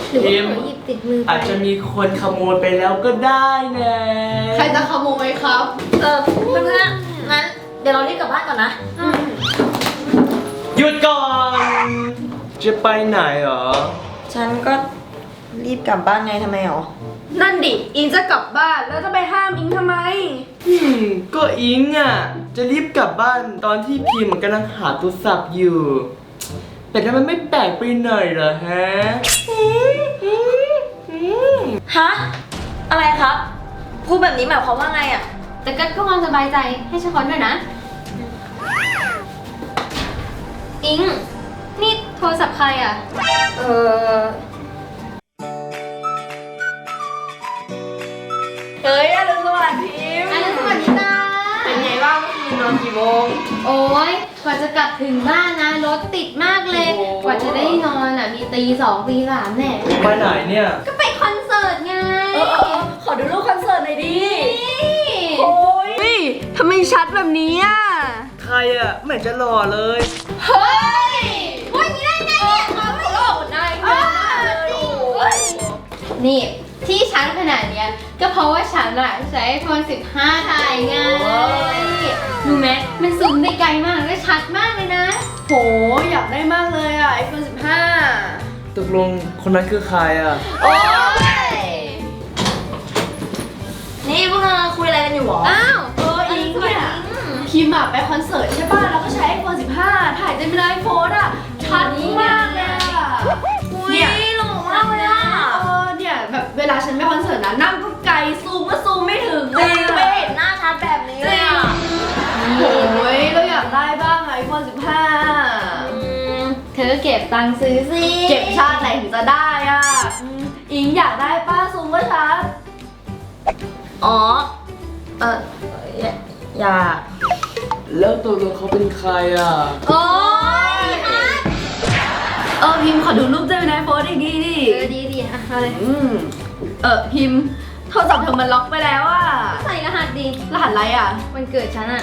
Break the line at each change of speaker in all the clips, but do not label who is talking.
หรือว่าเขาหยิบติดมือไปอาจจะมีคนขโมยไปแล้วก็ได้นะ
ใครจะขโมยครับ
เพื่อนๆงั้นเดี๋ยวเรารีบกลับบ้านก่อนนะ
หยุดก่อนจะไปไหนเหรอ
ฉันก็รีบกลับบ้านไงทำไมหรอ
นั่นดิอิงจะกลับบ้านแล้วจะไปห้ามอิงทำไม
ก็อิงอ่ะจะรีบกลับบ้านตอนที่พิมพ์กำลังหาโทรศัพท์อยู่แต่ทำไมไม่แปลกไปหน่อยเหรอฮะ
ฮะอะไรครับพูดแบบนี้หมายความว่าไงอ่ะ
แต่ก็ความสบายใจให้ฉันขอด้วยนะอิงนี่โทรศัพท์ใครอ่ะ
เฮ้ยอรุณสวัสดิ์พิมพ์
อรุณสวัสดิ์จ้า
เป็นไงบ้างเมื่อคืนนอนกี่โมง
โอ้ยกว่าจะกลับถึงบ้านนะรถติดมากเลยกว่าจะได้นอนอ่ะมีตี 2 ตี 3แน่
ไปไหนเนี่ย
ก็ไปคอนเสิร์ตไง
ขอดูรูปคอนเสิร์ตหน่อยดิ
โอ้ยทำไมชัดแบบนี้อ่ะ
ใครอ่ะไม่จะหล่อเลย
เฮ้ยพูดอย่างนี้ได้ไงเนี่ยเขาไม่หล่อนายนี่ที่ฉันขนาดเนี้ยก็เพราะว่าฉันอะใช้ iPhone 15 ถ่ายไงรู้ไหมมันซูมได้ไกลมากและชัดมากเลยนะโหอยากได้มากเลยอะ iPhone 15
ตกลงคนนั้นคือใครอ่ะ
โอ้ย
นี่พวกเราคุยอะไรกันอยู่หรอ
อ้าวอิงเนี่ยพิมพ์ไปคอนเสิร์ตใช่ป่ะแล้วก็ใช้ iPhone 15 ถ่ายเต็มเลยโพสอะชัดมากเลยอะ
เนี่ยหล่อมากเลยอะ
เนี่ยแบบเวลาฉันไปคอนเสิร์ตนะนั่งก็ไกลซูมก็ซูมไม่ถึง
จริงไม่เห็นหน้าชัดแบบนี้เลยอ่ะ
โอ้ยเราอยากได้บ้างไอโฟน15เธอเก็บตังค์ซื้อสิเก็บชาติไหนถึงจะได้อ่ะอิงอยากได้ป้าซูมก็ชัด
อ๋ออยาก
แล้วตัวเขาเป็นใครอ่ะ
โอ้ยพิมพ์ขอดูรูปได้ไหมโพสดีดิดีอ่ะอะไรพิมพ์โทรศัพท์เธอมันล็อกไปแล้วอ่ะใส่รหัสดิรหัสอะไรอ่ะวันเกิดฉันอ่ะ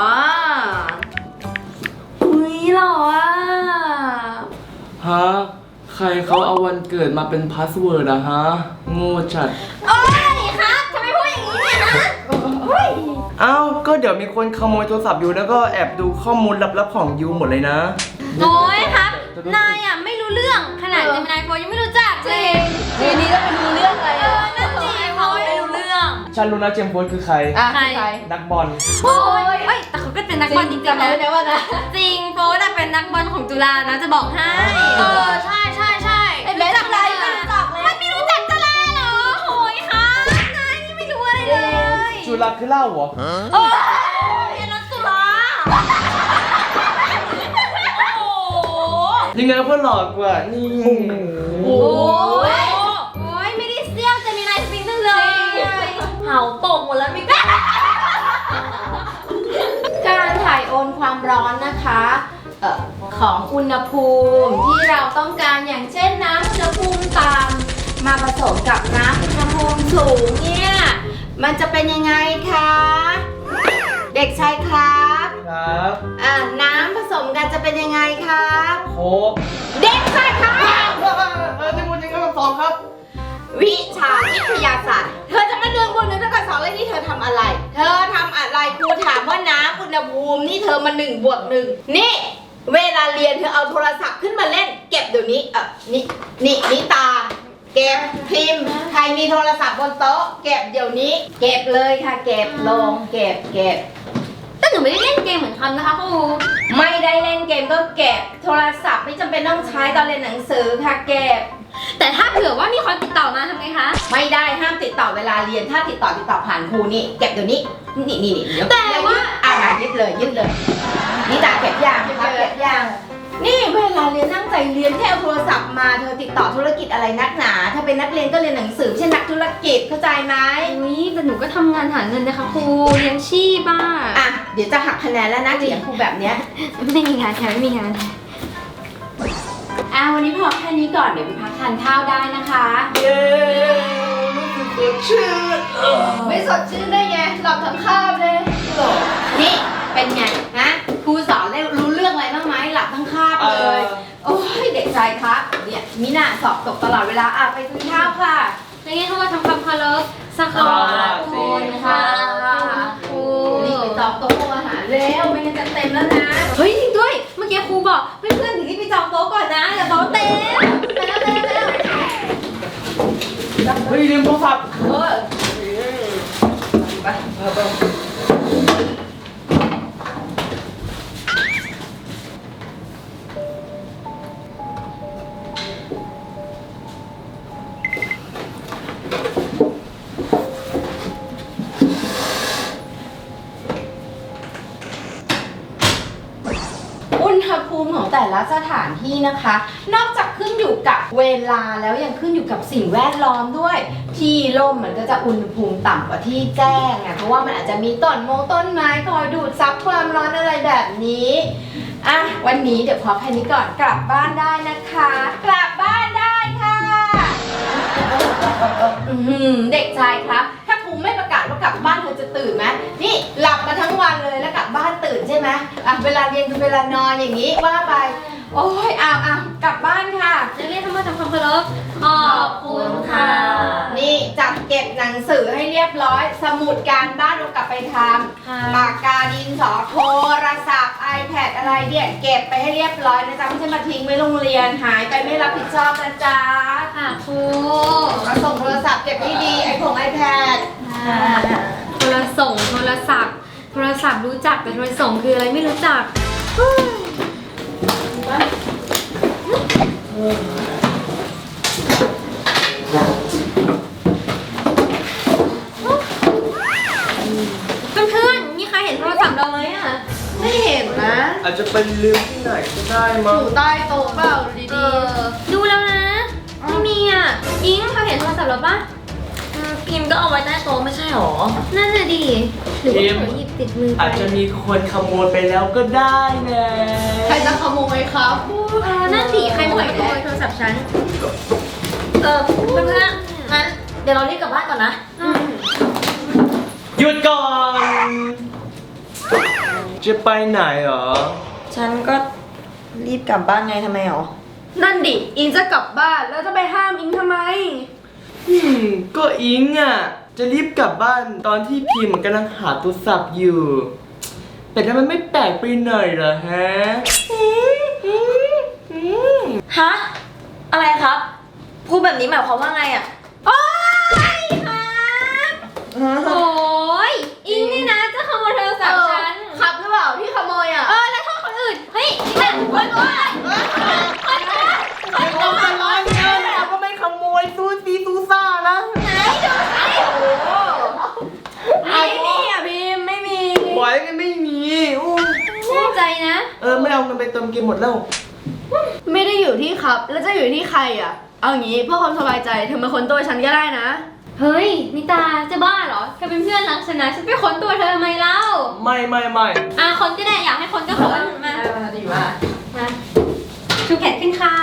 อุ้ยหล่ออ่ะ
ฮะใครเขาเอาวันเกิดมาเป็นพาสเวิร์ดอะฮะโง่จัด
โอ้ยครับทำไมพูดอย่างนี้เนี่ยนะ
เอ้าก็เดี๋ยวมีคนขโมยโทรศัพท์ยูแล้วก็แอบดูข้อมูลลับๆของยูหมดเลยนะ
โอ้ยครับนายอ่ะไม่รู้เรื่องขนาดเจมินายโฟยังไม่รู้จักเลยทีนี้ต้องไปรู้เรื่องอะไรนั่นสิเขาไม่รู้เรื่อง
ฉันรู้นะเจมส์โฟคือใครนักบอล
โอ้ยแต่เขาก็เป็นนักบอลจริงๆนะจริงโฟน่ะเป็นนักบอลของจุฬานะจะบอกให้ใช่รู้จักอะไรไม่รู้จักจุฬาเหรอโอ้ยค่ะนายนี่ไม่รู้อะไรเลย
จุฬาคือเล่าเหรอ
เรียนรัฐจุฬา
ยังไงก็หลอกกว่านี่
โอ้ยไม่ได้เซี่ยวจะมีนายสปริงตั้งเลย
เห่าตกหมดแล้วไม่กล้า
การถ่ายโอนความร้อนนะคะของอุณหภูมิที่เราต้องการอย่างเช่นน้ำอุณหภูมิต่ำมาผสมกับน้ำอุณหภูมิสูงเนี่ยมันจะเป็นยังไงคะเด็กชายครับน้ำผสมกันจะเป็นยังไงครับ
โค้ก
เด็กชายครับ
จะพูดจริงก็ต้องสอบครับ
วิชาวิทยาศาสตร์เธอจะมา1 บวก 1เท่ากับ2แล้วนี่เธอทำอะไรครูถามว่าน้ำอุณหภูมินี่เธอมา1 บวก 1นี่เวลาเรียนเธอเอาโทรศัพท์ขึ้นมาเล่นเก็บเดี๋ยวนี้นี่ตาเก็บพิมพ์ใครมีโทรศัพท์บนโต๊ะเก็บเดี๋ยวนี้เก็บเลยค่ะเก็บลงเก็บแต่หนูไม่ได้เล่นเกมเหมือนคันนะคะครูไม่ได้เล่นเกมก็เก็บโทรศัพท์ไม่จำเป็นต้องใช้ตอนเรียนหนังสือค่ะเก็บแต่ถ้าเผื่อว่ามีคนติดต่อมาทำไงคะไม่ได้ห้ามติดต่อเวลาเรียนถ้าติดต่อผ่านครูนี่เก็บเดี๋ยวนี้นี่แต่ว่ายึดเลยนี่จ่าเก็บยางนี่เวลาเรียนตั้งใจเรียนแค่เอาโทรศัพท์มาเธอติดต่อธุรกิจอะไรนักหนาถ้าเป็นนักเรียนก็เรียนหนังสือเช่นนักธุรกิจเข้าใจไหมแต่หนูก็ทำงานหาเงินนะคะครูเลี้ยงชีพเดี๋ยวจะหักคะแนนแล้วนะเลี้ยงครูแบบเนี้ยไม่มีงานค่ะไม่มีงานวันนี้พอแค่นี้ก่อนเดี๋ยวไปพักทานข้าวได้นะคะ
เย้รู้สึกสดชื่น
ไม่สดชื่นได้ไงหลับทั้งคาบเลยนี่เป็นไงฮะครูสอนได้รู้เรื่องอะไรบ้างไหมหลับทั้งคาบเลยโอ้ยเด็กชายครับเนี่ยมิน่าสอบตกตลอดเวลาไปกินข้าวค่ะ
แล้วนี่เข้ามาทำความเคารพสักขอบคุณค่ะครู
รีบไปจองโต๊ะอาหารแล้วไม่งั้นจะเต็มแล้วนะ
เฮ้ยจริงด้วย เมื่อกี้ครูบอกเพื่อนๆถึงที่ไปจองโต๊ะก่อนนะอย่าโต๊ะเต็มไปแล้ว
เฮ้ยลืมโทรศัพท์
อุณหภูมิของแต่ละสถานที่นะคะ นอกจากขึ้นอยู่กับเวลาแล้วยังขึ้นอยู่กับสิ่งแวดล้อมด้วย ที่ร่มมันก็จะอุณหภูมิต่ำกว่าที่แจ้งเพราะว่ามันอาจจะมีต้นไม้คอยดูดซับความร้อนอะไรแบบนี้วันนี้เดี๋ยวพอแค่นี้ก่อนกลับบ้านได้นะคะ กลับบ้านได้ค่ะเด็กชายครับถ้าครูไม่ประกาศว่ากลับบ้านเธอจะตื่นไหมนี่หลับมาทั้งวันเลยแล้วกลับบ้านตื่นใช่ไหมเวลาเรียนกับเวลานอนอย่างนี้ว่าไปโอ้ยกลับบ้านค่ะ
นักเรียนเข้ามาทำความเคารพขอบคุณค่ะ
นี่จัดเก็บหนังสือให้เรียบร้อย สมุดการบ้านเรากลับไปทำปากกาดินสอโทรศัพท์ iPad อะไรเนี่ยเก็บไปให้เรียบร้อยนะจ๊ะไม่ใช่มาทิ้งไว้โรงเรียนหายไปไม่รับผิดชอบนะจ๊ะ
ค่ะครู
มาส่งโทรศัพท์เก็บให้ดีiPad
โทรส่งโทรศัพท์รู้จักแต่โทรส่งคืออะไรไม่รู้จัก เพื่อนๆมีใครเห็นโทรศัพท์เราไหมอ่ะ
ไม่เห็นนะ
อาจจะเป็นลืมที่ไหนก็ได้
อ
มั้ง
ยู่ใต้โต๊ะเปล่าดี
ดูแล้วนะ ไม่มีอ่ะ อิงเธอเห็นโทรศัพท์เราปะ
พิมพ์ก็เอาไว้ใต้โต๊ะไม่ใช่หรอ
นั่นน่ะดิ หรือว่าเธอหยิบติดมือไป
อาจจะมีคนขโมยไปแล้วก็ได้นะ
ๆใครจะขโมยครับ
นั่นสิใครมาขโมยโทรศัพท์ฉัน
เพื่อนๆงั้นเดี๋ยวเรารีบกลับบ้านก่อนนะ
หยุดก่อน จะไปไหนเหรอ
ฉันก็รีบกลับบ้านไงทำไมหรอ
นั่นดิอิงจะกลับบ้านแล้วจะไปห้ามอิงทำไม
ก็อิงจะรีบกลับบ้านตอนที่พิมพ์กำลังหาโทรศัพท์อยู่ แต่ทำไมไม่แปลกไปหน่อยเหรอฮะ
ฮะ อะไรครับ พูดแบบนี้หมายความว่าไงอ่ะ
โอ๊ยครับโอ้ยอิงนี่นะจะขโมยโทรศัพท์ฉัน
ขับหรือเปล่าที่ขโมย
แล้วโทษคนอื่น เฮ้ยนี่นะคนอื่น
เอามาร้อยเงินเราก็ไม่ขโมยซูซีซูซ่านะ
ไม่มีพิมไม่มี
ไหวกันไม่มีอู้
แน่ใจนะ
ไม่เอาเงินไปเติมเกมหมดแล้ว
ไม่ได้อยู่ที่ครับ แล้วจะอยู่ที่ใครเอางี้เพื่อความสบายใจเธอมาค้นตัวฉันก็ได้นะ
เฮ้ยนิตาจะบ้าเหรอเธอเป็นเพื่อนรักฉันนะฉันไปค้นตัวเธอทำไมเล่า
ไม่
คนก็ได้อยากให้คนก็ค้นมา
ดีมาก
มาชูแขนขึ้นค่ะ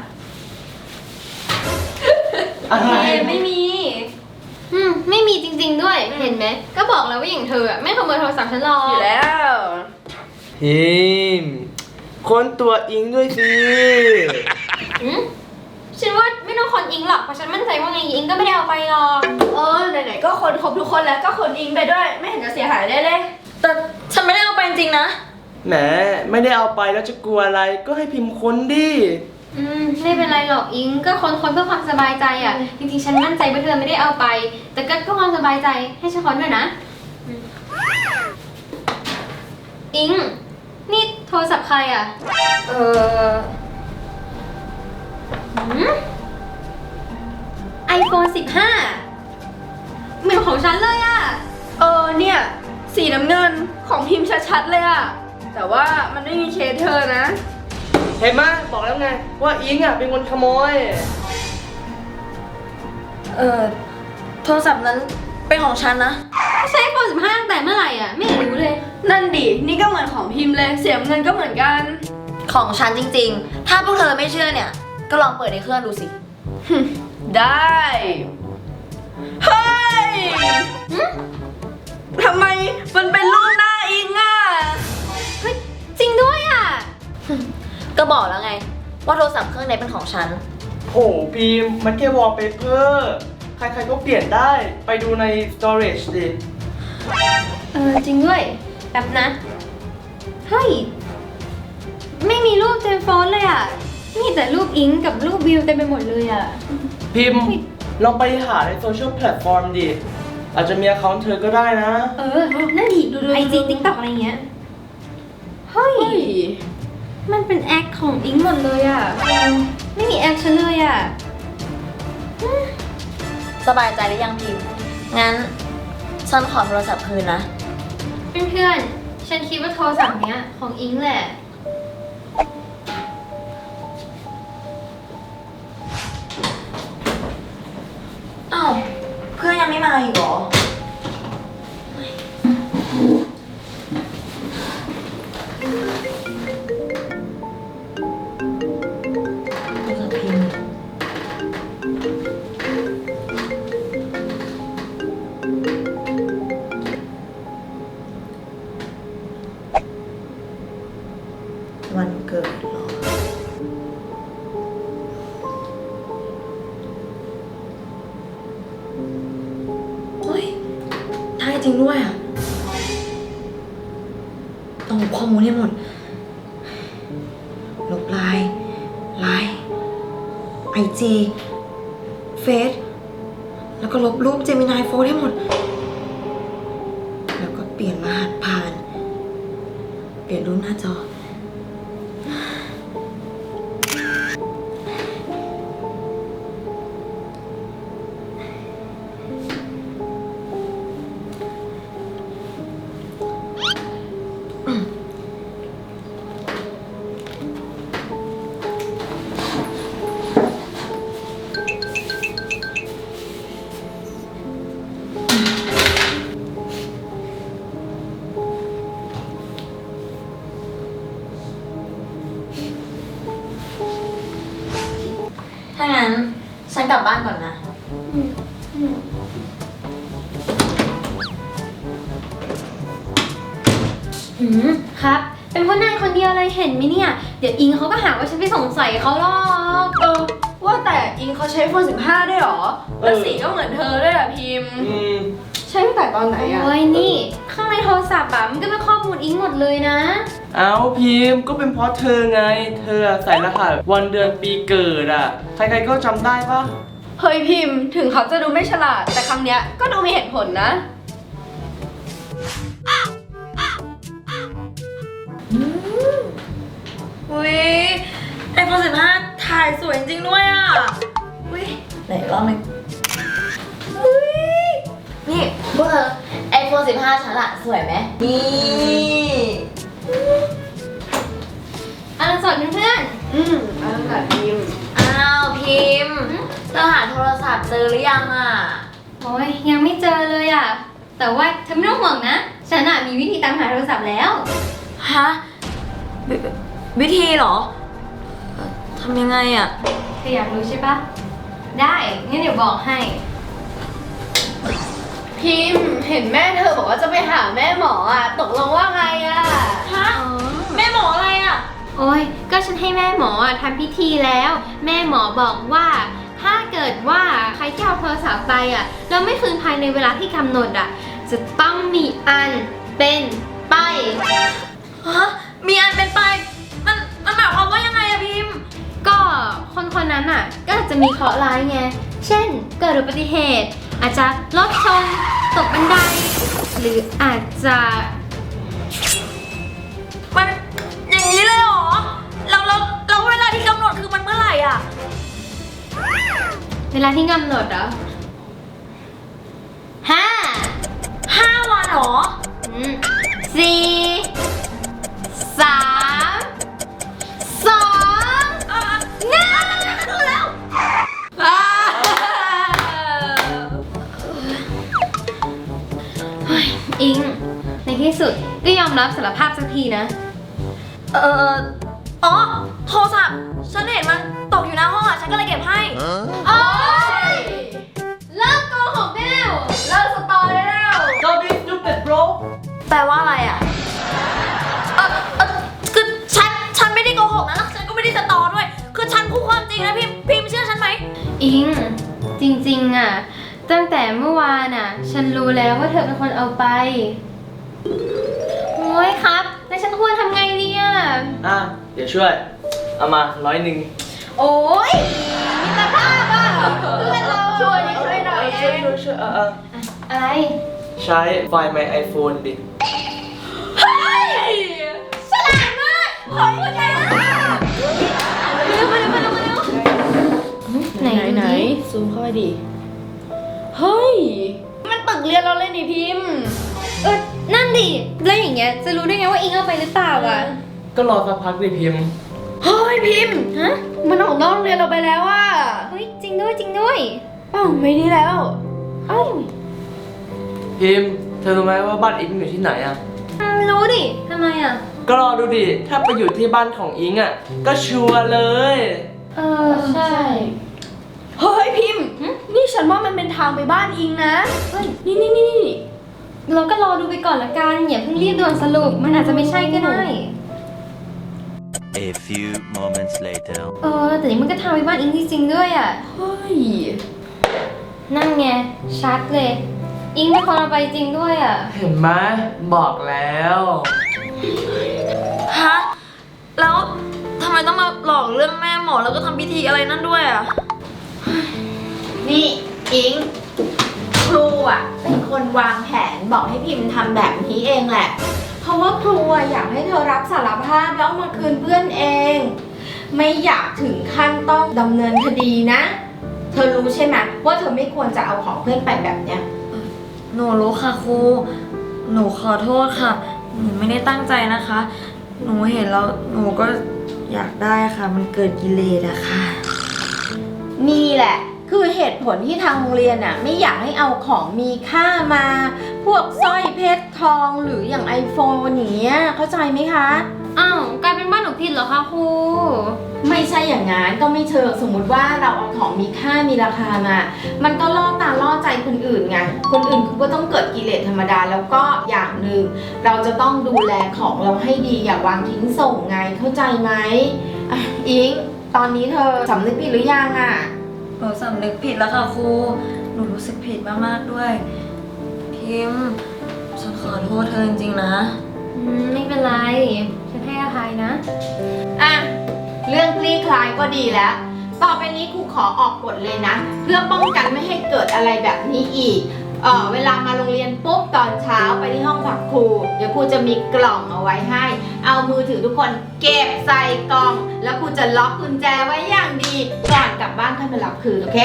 อะไร
ไม่มีไม่มีจริงๆด้วยเห็นไหมก็บอกแล้วว่าอย่างเธออะไม่ขโมยโทรศัพท์ฉันหรอก
อยู่แล้ว
พิมพ์ค้นตัวอิงด้วยสิ
อืมฉันว่าไม่ต้องคนอิงหรอกเพราะฉันมั่นใจว่าไงอิงก็ไม่ได้เอาไปหรอก
ไหนๆก็คนครบทุกคนแล้วก็คนอิงไปด้วย ไม่เห็นจะเสียหายได้เลย
แต่ฉันไม่ได้เอาไปจริงๆนะ
แหมไม่ได้เอาไปแล้วจะกลัวอะไรก็ให้พิมพ์ค้นดิ
ไม่เป็นไรหรอกอิงก็คนเพื่อความสบายใจอ่ะจริงๆฉันมั่นใจว่าเธอไม่ได้เอาไป แต่ก็เพื่อความสบายใจให้ฉันค้นด้วยนะอิงนี่โทรศัพท์ใครอ่ะiPhone 15เหมือนของฉันเลยอ่ะ
เนี่ยสีน้ำเงินของพิมพ์ชัดๆเลยแต่ว่ามันไม่มีเคสเธอนะ
เห็นไหมบอกแล้วไงว่าอิงเป็นคนขโมย
โทรศัพท์นั้นเป็นของฉันนะ
ใช้ iPhone 15ตั้งแต่เมื่อไหร่อ่ะไม่รู้เลย
นั่นดินี่ก็เหมือนของพิมพ์เลยเสียเงินก็เหมือนกัน
ของฉันจริงๆ ถ้าพวกเธอไม่เชื่อเนี่ย ก็ลองเปิดในเครื่องดูสิ
ได้เฮ้ยทำไมมันเป็นรูปหน้าอิง
เฮ้ยจริงด้วยอ่ะ
ก็บอกแล้วไงว่าโทรศัพท์เครื่องนี้เป็นของฉัน
โหพิมพ์มันแค่วอลเปเปอร์ใครๆก็เปลี่ยนได้ไปดูใน storage ดิ
จริงด้วยแบบนะ เฮ้ย ไม่มีรูปเจมส์โฟนเลยอ่ะ มีแต่รูปอิงกับรูปวิวเต็มไปหมดเลยอ่ะ
พิมพ์ลองไปหาในโซเชียลแพลตฟอร์มดิ อาจจะมี account เธอก็ได้นะ
นั่นดิไอจีติ๊กต็อกอะไรเงี้ย เฮ้ย มันเป็นแอคของอิงหมดเลยอ่ะ ไม่มีแอคฉันเลยอ่ะ
สบายใจหรือยังพิมพ์ งั้นฉันขอโทรศัพท์คืนนะ
เพื่อนๆ ฉันคิดว่าโทรศัพท์เนี้ยของอิงแหละ
อ้าว เพื่อนยังไม่มาอีกเหรอ วันเกิดเหรอ เฮ้ยได้จริงด้วยอ่ะ ต้องลบข้อมูลให้หมด ลบไลน์IG เฟซแล้วก็ลบรูปเจมินายโฟนให้หมด แล้วก็เปลี่ยนรหัสผ่าน เปลี่ยนรูปหน้าจอ ถ้างั้น ฉันกลับบ้านก่อนนะ
ครับ เป็นเพราะนายคนเดียวเลยเห็นไหมเนี่ย เดี๋ยวอิงเขาก็หาว่าฉันไปสงสัยเขาหรอก
ว่าแต่อิงเขาใช้iPhone 15ได้หรอ แล้วสีก็เหมือนเธอด้วยอะพิมพ์ ใช้ตั้งแต่ตอนไหนอะ
โอ้ยนี่ ข้างในโทรศัพท์อะมันก็เป็นข้อมูลอิงหมดเลยนะ
เอาพิมพ์ก็เป็นเพราะเธอไง เธอใส่รหัสวันเดือนปีเกิดอ่ะ ใครๆก็จำได้ปะ
เฮ้ยพิมพ์ ถึงเขาจะดูไม่ฉลาด แต่ครั้งเนี้ยก็ดูมีเหตุผลนะ
อุ้ยiPhone 15 ถ่ายสวยจริงด้วยอ่ะ อุ้ยไหนอีกรอบหนึงอุ้ยนี่พวกเธอ iPhone 15 ฉันอะสวยไหมนี่
อ่านสดเพื่อน
เอาละพิมพ์
อ้าวพิมพ์เธอหาโทรศัพท์เจอหรือยังอ่ะ
โอ้ยยังไม่เจอเลยอะแต่ว่าเธอไม่ต้องห่วงนะ ฉันอะมีวิธีตามหาโทรศัพท์แล้ว
ฮะ วิธีเหรอทำยังไงอ่ะ
เธออยากรู้ใช่ปะ ได้งั้นเดี๋ยวบอกให้
พิมพ์ เห็นแม่เธอบอกว่าจะไปหาแม่หมออะตกลงว่าไงอะ
ฮะ แม่หมออะไรอ่ะ
โอ้ยก็ฉันให้แม่หมออะทำพิธีแล้ว แม่หมอบอกว่า ถ้าเกิดว่าใครที่เอาโทรศัพท์ไปอะแล้วไม่คืนภายในเวลาที่กำหนดอะจะต้องมีอันเป็นไป
ฮะ มีอันเป็นไป มันหมายความว่ายังไงอะพิมพ์
ก็คนนั้นอ่ะก็อาจจะมีเคราะห์ร้ายไง เช่นเกิดอุบัติเหตุ อาจจะรถชนตกบันได หรืออาจจะ
มันอย่างนี้เลยเหรอแล้วเวลาที่กำหนดคือมันเมื่อไหร่อ่ะ
เวลาที่กำหนดเหรอห้า
5 วันเหรอ
สี่สามสองหนึ่งดูแล้วเฮ้ยอิง ในที่สุดก็ยอมรับสารภาพสักทีนะ
อ๋อ โทรศัพท์ ฉันเห็นมันตกอยู่หน้าห้องอ่ะ ฉันก็เลยเก็บให้
โอ๊ยเลิกโกหกได้แล้ว
เลิกสตอได้แล้ว
Don't be stupid bro
แปลว่าอะไรอ่ะ คือฉันไม่ได้โกหกนะแล้วฉันก็ไม่ได้สตอด้วย คือ
อิง จริงๆอ่ะ ตั้งแต่เมื่อวานอ่ะ ฉันรู้แล้วว่าเธอเป็นคนเอาไป โอ้ยครับ แล้วฉันควรทำไงดีอ่ะ
อ่ะ เดี๋ยวช่วย เอามา100
โอ้ยมิตรภาพอ่ะเพื่อนเราช่วยหน่อย
ช่วย
อะไร
ใช้ไฟล์ My iPhone ดิ
เฮ้ยฉลาดมากขอบคุณนะ
ไหน
ซูมเข้าไปดิ เฮ้ย มันตึกเรียนเราเลยนี่พิมพ์
นั่นดิ แล้วอย่างเงี้ย จะรู้ได้ไงว่าอิงเอาไปหรือเปล่าอ่ะ
ก็รอสักพักดิพิมพ์
เฮ้ยพิมพ์
ฮะ
มันออกนอกโรงเรียนเราไปแล้วอ่ะ
เฮ้ย จริงด้วยจริงด้วย
อ้าวไม่ดีแล้วเอ้า
พิมพ์ เธอรู้ไหมว่าบ้านอิงอยู่ที่ไหนอ่ะ
รู้ดิ ทำไมอ่ะ
ก็รอดูดิ ถ้าไปอยู่ที่บ้านของอิงอ่ะ ก็ชัวร์เลย
ใช่
เฮ้ยพิมพ์ นี่ฉันว่ามันเป็นทางไปบ้านอิงนะ
เฮ้ย
นี่
เราก็รอดูไปก่อนละกันอย่าเพิ่งรีบด่วนสรุป มันอาจจะไม่ใช่ก็ได้
A few moments later.
แต่นี่มันก็ทำไปบ้านอิงจริงๆด้วยอ่ะ
เฮ้ย
นั่นไง ชัดเลย อิงเป็นคนเอาไปจริงด้วยอ่ะ
เห็นไหมบอกแล้ว
ฮะ แล้วทำไมต้องมาหลอกเรื่องแม่หมอแล้วก็ทำพิธีอะไรนั่นด้วยอ่ะ
นี่อิง ครูอ่ะเป็นคนวางแผนบอกให้พิมพ์ทำแบบนี้เองแหละ เพราะว่าครูอ่ะอยากให้เธอรับสารภาพแล้วเอามาคืนเพื่อนเอง ไม่อยากถึงขั้นต้องดำเนินคดีนะ เธอรู้ใช่ไหมว่าเธอไม่ควรจะเอาของเพื่อนไปแบบเนี้ย
หนูรู้ค่ะครู หนูขอโทษค่ะ หนูไม่ได้ตั้งใจนะคะ หนูเห็นแล้วหนูก็อยากได้ค่ะ มันเกิดกิเลสอะค่ะ
นี่แหละ คือเหตุผลที่ทางโรงเรียนน่ะไม่อยากให้เอาของมีค่ามา พวกสร้อยเพชรทองหรืออย่าง iPhone อย่างเงี้ยเข้าใจไหมคะ
อ้าว กลายเป็นบ้านหนูผิดเหรอคะครู
ไม่ใช่อย่างนั้นก็ไม่เชิงสมมุติว่าเราเอาของมีค่ามีราคามา มันก็ล่อตาล่อใจคนอื่นไง คนอื่นเขาก็ต้องเกิดกิเลสธรรมดาแล้วก็อย่างหนึ่งเราจะต้องดูแลของเราให้ดีอย่าวางทิ้งส่งไงเข้าใจไหมอ่ะอิงตอนนี้เธอสำนึกผิดหรือยังอ่ะ
หนูสำนึกผิดแล้วค่ะครู หนูรู้สึกผิดมากๆด้วย พิมพ์ ฉันขอโทษเธอจริงๆนะ
ไม่เป็นไร ฉันให้อภัยนะ
อ่ะ เรื่องคลี่คลายก็ดีแล้ว ต่อไปนี้ครูขอออกกฎเลยนะ เพื่อป้องกันไม่ให้เกิดอะไรแบบนี้อีก เวลามาโรงเรียนปุ๊บตอนเช้าไปที่ห้องพักครู เดี๋ยวครูจะมีกล่องเอาไว้ให้ เอามือถือทุกคนเก็บใส่กล่อง แล้วครูจะล็อกกุญแจไว้อย่างดี ก่อนกลับบ้านค่อยมารับคืนโอเค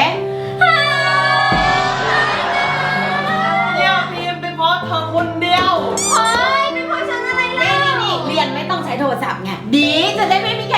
เนี่ยพิมพ์เป็นเพราะเธอคนเดียว
เฮ้ยเป็นเพราะฉันอะไรล่ะนี่เรียนไม่ต้องใช้โทรศัพท์ไง ดีจะได้ไม่มีใคร